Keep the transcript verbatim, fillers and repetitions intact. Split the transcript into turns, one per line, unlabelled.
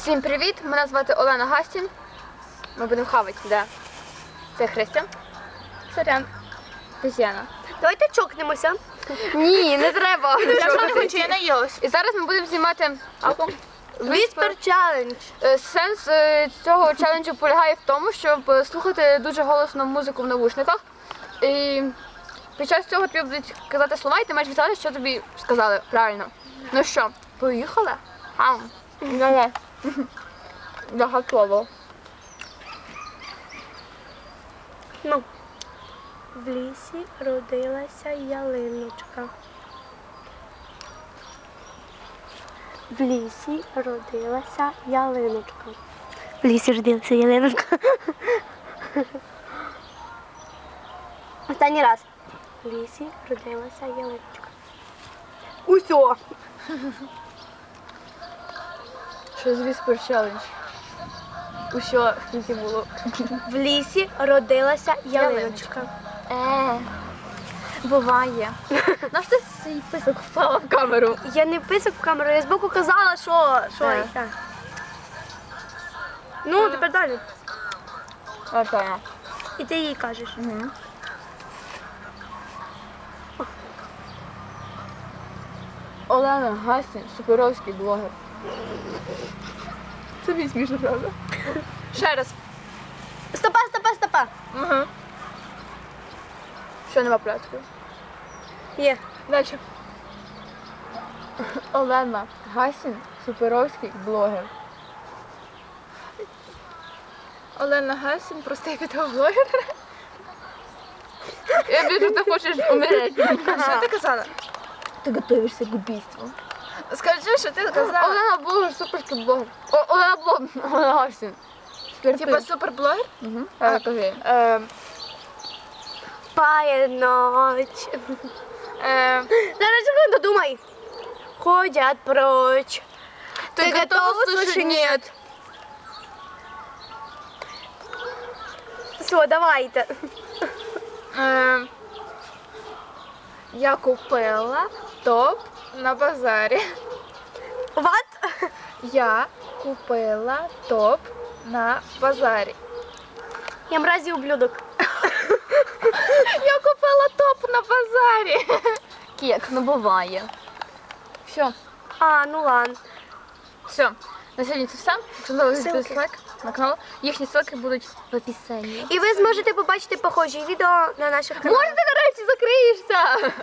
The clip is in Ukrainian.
Всім привіт! Мене звати Олена Гастін. Ми будемо хавати, да. Це Христя. Сорян. Тетяна.
Давайте чокнемося.
Ні, не треба.
Я ж не хочу, я наїлась.
І зараз ми будемо знімати
Віспер челендж.
Е, Сенс е, цього челенджу полягає в тому, щоб е, слухати дуже голосно музику в навушниках. І під час цього тобі будуть казати слова, і ти маєш відгадати, що тобі сказали правильно. Ну що, поїхали? Ам. Давай. Я готова.
Ну. В лісі родилася ялиночка. В лісі родилася ялиночка. В лісі родилася ялиночка. Останній раз. В лісі родилася ялиночка. Усьо.
Що з Whisper Challenge? Усьо скільки було.
В лісі родилася ялиночка.
Е, буває. На що ти свій писок впала в камеру?
Я не писок в камеру, я збоку казала, що. що
Так.
і так. Ну, тепер далі.
Окей.
І ти їй кажеш.
Угу. Олена Гастін, суперовський блогер. Це мені смішно, правда? Ще раз.
Стопа, стопа, стопа.
Угу. Що нема порядку?
Є.
Дальше. Олена Гастін, суперовський блогер. Олена Гастін, простий відеоблогер. Я вижу, ти хочеш умереть.
Що ти казала?
Ти готуєшся к убійству.
Скажи, що ти казала.
Олена блогер, суперський блогер. О, Олена блогер, Олена Гастін.
Типа суперблогер?
Угу. А, кажи.
Е,
Пає ноч.
е,
Зараз секунду, думай. Ходять прочь.
Ти готова слушать «Нет»?
Все, давайте.
Е, я купила топ на базарі.
What?
Я купила топ на базарі.
Я мразі ублюдок.
Я купила топ на базарі.
Кек, ну буває. Все.
А, ну ладно.
Все. На сьогодні це все. Якщо залишите
Ссылки.
лайк на канал, їхні ссылки будуть в описанні.
І ви зможете побачити похожі відео на наших каналах.
Може, ти нарешті закриєшся?